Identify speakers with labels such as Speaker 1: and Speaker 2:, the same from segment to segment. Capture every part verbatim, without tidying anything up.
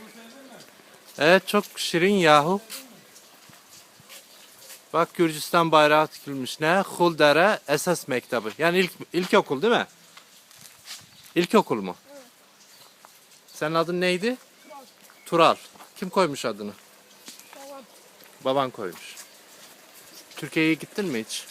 Speaker 1: Evet, çok şirin yahu. Bak, Gürcistan bayrağı dikilmiş. Ne? Huldere Esas Mektebi. Yani ilk ilkokul değil mi? İlkokul mu?
Speaker 2: Evet.
Speaker 1: Senin adın neydi? Tural. Kim koymuş adını?
Speaker 2: Babam.
Speaker 1: Baban koymuş. Türkiye'ye gittin mi hiç?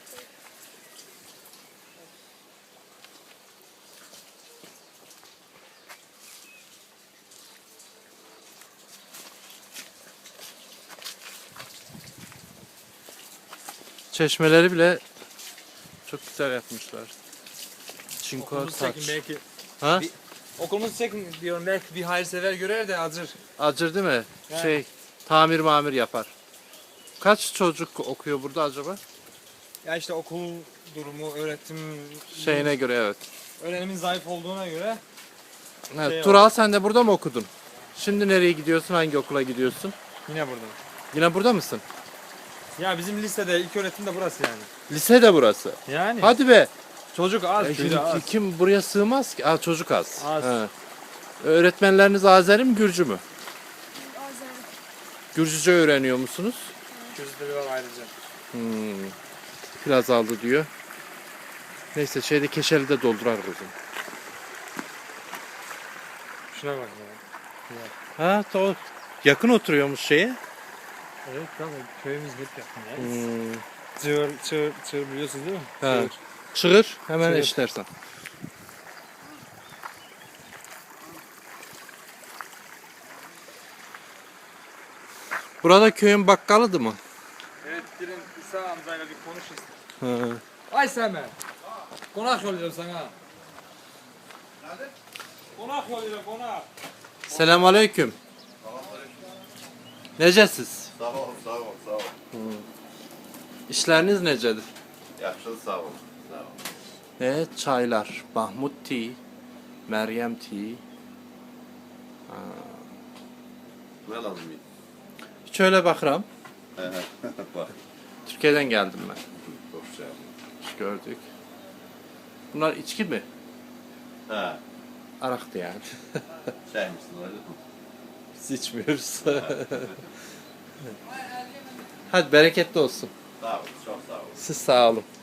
Speaker 1: Çeşmeleri bile çok güzel yapmışlar. Çinko
Speaker 3: Okulumuzu
Speaker 1: taç.
Speaker 3: çekin belki.
Speaker 1: Ha?
Speaker 3: Bir- Okulumuzu çekin diyorum, belki bir hayırsever görer de acır.
Speaker 1: Acır değil mi?
Speaker 3: Yani.
Speaker 1: Şey, tamir mamir yapar. Kaç çocuk okuyor burada acaba?
Speaker 3: Ya işte okul durumu, öğretim
Speaker 1: Şeyine göre evet.
Speaker 3: öğrenimin zayıf olduğuna göre
Speaker 1: Evet,
Speaker 3: Şey
Speaker 1: Tural, sen de burada mı okudun? Şimdi nereye gidiyorsun? Hangi okula gidiyorsun?
Speaker 3: yine burada.
Speaker 1: Yine burada mısın?
Speaker 3: Ya bizim lisede ilk öğretim de burası yani.
Speaker 1: Lise de burası.
Speaker 3: Yani.
Speaker 1: Hadi be.
Speaker 3: Çocuk az,
Speaker 1: E,
Speaker 3: köyde
Speaker 1: şimdi
Speaker 3: az.
Speaker 1: kim buraya sığmaz ki? Aa, çocuk az.
Speaker 3: Az.
Speaker 1: He. Öğretmenleriniz Azeri mi, Gürcü mü?
Speaker 2: Azeri.
Speaker 1: Gürcüce öğreniyor musunuz?
Speaker 3: Gözleri var ayrıca.
Speaker 1: Hmm. Biraz aldı diyor. Neyse, şeyde Keşeli de doldurar kızım.
Speaker 3: Şuna bak ya.
Speaker 1: Ha, to yakın oturuyormuş şeye.
Speaker 3: Evet tamam, köyümüz hep yakın ya.
Speaker 1: Hmm.
Speaker 3: Çığır, çığır, çığır biliyorsunuz değil mi?
Speaker 1: Ha.
Speaker 3: Çığır.
Speaker 1: Çığır, hemen
Speaker 3: Çığır.
Speaker 1: eşlersen. Burada köyün bakkalıdı mı?
Speaker 3: Evet, gelin İsa amcayla bir konuşuruz.
Speaker 1: Ha.
Speaker 3: Ay Semer. Konak yolluyorum sana. Nerede? Konak yolluyorum, konak.
Speaker 1: Selamünaleyküm. Necesiz?
Speaker 4: Sağ ol, sağ ol, sağ ol.
Speaker 1: İşleriniz necedir?
Speaker 4: Yaxşı, sağ ol. Sağ ol.
Speaker 1: Evet, çaylar. Mahmut Tea, Meryem Tea.
Speaker 4: Ne lazım?
Speaker 1: Hiç öyle bakıram.
Speaker 4: Bak,
Speaker 1: Türkiye'den geldim ben.
Speaker 4: çok şey yapma.
Speaker 1: Gördük. Bunlar içki mi?
Speaker 4: Ha,
Speaker 1: Araktı yani.
Speaker 4: şey misin öyle mi?
Speaker 1: Biz içmiyoruz. Hadi bereketli olsun.
Speaker 4: Sağ ol, çok sağ ol.
Speaker 1: Siz sağ olun.